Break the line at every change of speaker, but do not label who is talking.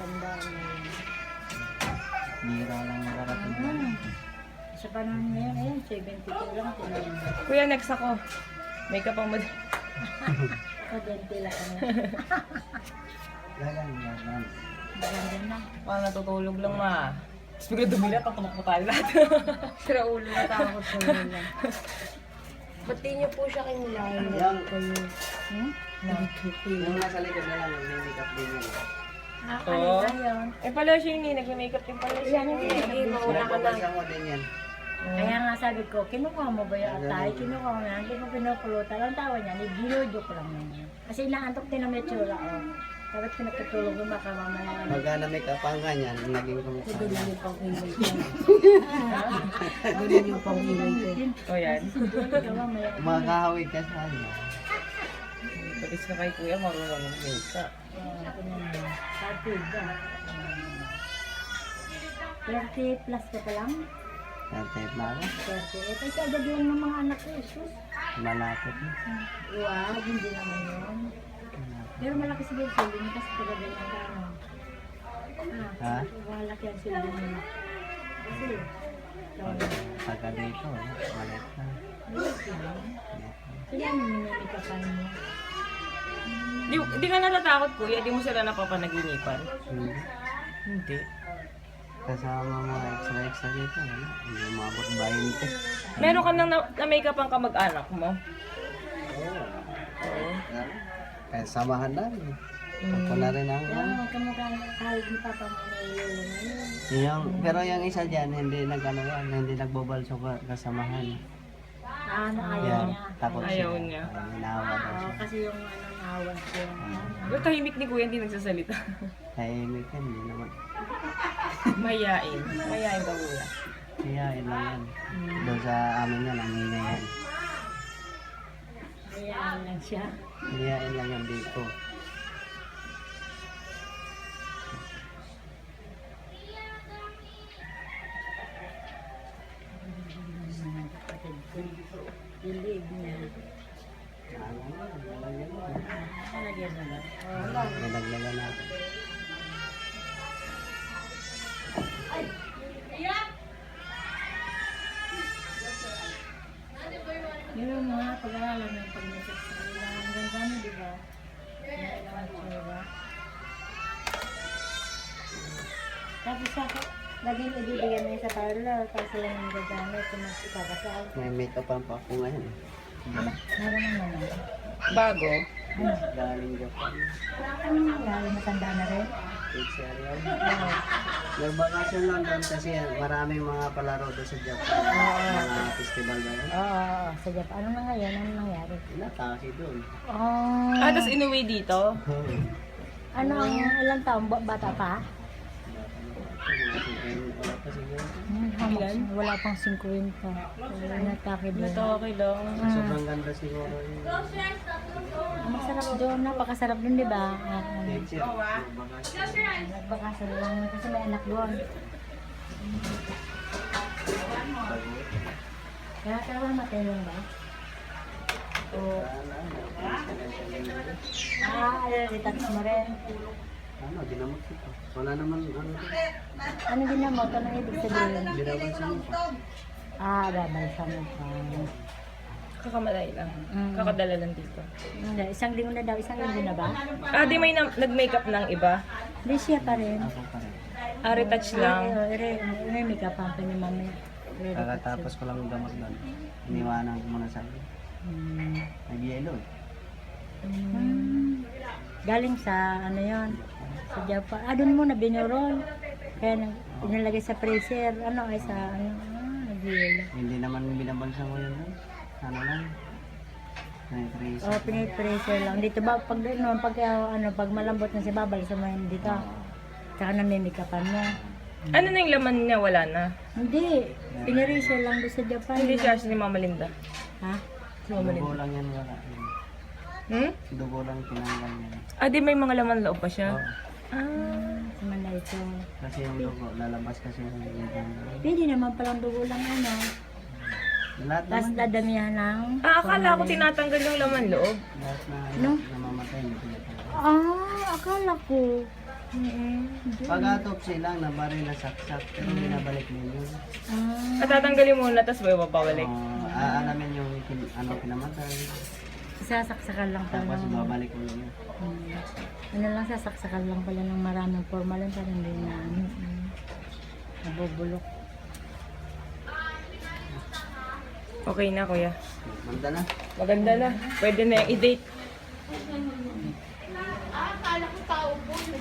tandaan na yun.
Bira lang nakarating.
Sa panahon ngayon, ayan, 72 lang.
Kuya, next ako. Makeup ang mod.
Ako, 20 lang.
Galang, galang.
Maganda na.
Parang natutulog lang ma. Tapos bigla dumila, tumakbo tayo lahat.
Sira ulo na takot sa nila.
Pati niyo po siya kinilala.
Yung,
Nagkikil.
yung nasa likod na lang, may makeup din yun.
Oo.
Ano yun?
Eh pala siya yun eh, nag-makeup din pala siya.
Sige, mauna ka na.
Pinapabansa ko din yan.
Kaya nga sabi ko, kinukuha mo ba yung atay? Kinukuha mo na, hindi mo pinupulutan. Ang tawa niya, binudyo ko lang naman. Kasi inaantok din ang metsura, oh. Dapat pinagkatulog mo baka mamaya.
Pagka na make up ang ganyan, naging kumukha.
Ganun yung pang-ilay ko. Ganun yung pang-ilay ko.
O yan.
Ikaw mamaya.
Makakahawig ka sa ano.
Patis ka kay kuya, marunong ng makeup.
Partida. 30 plus ka pa lang?
Tatayip na ako.
30. Ito agad lang ng mga anak ko, Jesus.
Malapit na.
Wow, hindi naman yun. Pero malaki siguro sila mo kasi talaga yung ano.
Ha?
Malaki ang sila mo. Kasi,
Pagka dito, malit na.
sila ang minimikapan mo.
Di ka natatakot kuya, di mo sila napapanaginipan.
Hindi.
Hindi.
Kasama mga extra dito, ano? Hindi umabot 20.
Meron ka nang na-makeup ang kamag-anak mo?
Oo. Kaya samahan namin. Ako na rin ang
Yan, kamukha kahit ni Papa mo na iulo ngayon.
pero yung isa dyan, hindi nag-ano yan, hindi nagbobalso kasamahan.
Ano, ayaw
Yan,
niya.
takot siya.
Ayaw niya.
Ay, inawa daw
Oo,
siya.
kasi yung ano, nawan siya.
Pero tahimik ni kuya, hindi nagsasalita.
Tahimik yan, hindi naman.
Mayayain. Mayayain ka kuya.
Hiyain lang yan. Doon sa amin yan, ang hina yan.
Ayan lang siya.
Hiyain lang yan dito.
Dilig niya. Nalagyan na lang.
May naglaga na ako.
Yun yung mga pag-aaral ng pag-message sa kanila. Ang ganda mo, di ba? Ang tsura. Tapos ako, laging ibibigyan mo yun sa parlor kasi yung gagamit kung mas ikakasal.
May makeup pa ako ngayon.
Meron naman na.
Bago.
Galing Japan.
Ano nangyari? Matanda na rin?
It's area. Nagbakasyon lang doon kasi maraming mga palaro doon sa Japan. Mga festival na yun.
Oo, sa Japan. Ano na ngayon? Ano nangyari?
Nataki doon.
Oh,
Tapos inuwi dito.
ano ang ilang taon? Bata pa?
Wala pa siguro.
Wala pang 50. Natake doon.
Natake lang.
Sobrang ganda siguro yun.
Masarap doon. Napakasarap doon, di ba?
Next year, magbakasyon.
Nagbakasal lang kasi may anak doon. Kaya kawan matelong ba? O, retouch mo rin.
Ano, ginamot ito. Wala naman ano to.
Ano ginamot? Ano ibig sabihin?
Binabansa mo pa.
Babalsa mo pa.
Kakamalay lang.
Mm.
Kakadala lang dito.
Hindi, isang linggo na daw. Isang linggo na ba?
Di may nag-makeup ng iba.
Hindi siya pa rin.
Ako pa rin.
Retouch lang.
Remake up pa ni mamaya.
Kakatapos ko lang yung gamot doon. Iniwanan ko muna sa akin. Nag-yellow eh.
Galing sa ano yon sa Japan. Doon muna binurol. Kaya inilagay sa freezer. Ano ay sa ano. Nag-yelo.
Hindi naman binabansa ko yun. Ano lang. Nag-trace.
Pinay-freezer lang. Dito ba, pag pag malambot na si Babal sa mga dito. Tsaka namimikapan mo.
Ano na yung laman niya? Wala na.
Hindi. Pinay-freezer lang doon sa Japan.
Hindi siya si Mama Linda.
Ha?
Si Mama
Dugo
Linda.
lang yan wala. Dugo lang tinanggal yan.
Di may mga laman loob pa siya.
Oo.
Sa Malaysia.
Kasi yung dugo, lalabas kasi yung
Pwede naman palang dugo lang ano.
lahat
Tapos
naman.
dadamihan ng...
Akala ko tinatanggal yung laman loob.
Lahat na
No?
namamatay. Hindi pinatanggal.
Akala ko.
Pag autopsy lang, nabaril na saksak, pero binabalik mo yun.
Ah,
At tatanggalin muna, tapos may babalik.
Aalamin yung kinamatay,
sasaksakan lang pala.
tapos babalik mo yun.
Ano lang, sasaksakan lang pala ng maraming formalin para hindi na nabubulok.
Okay na, kuya.
Manda na.
Maganda na. Pwede na yung i-date.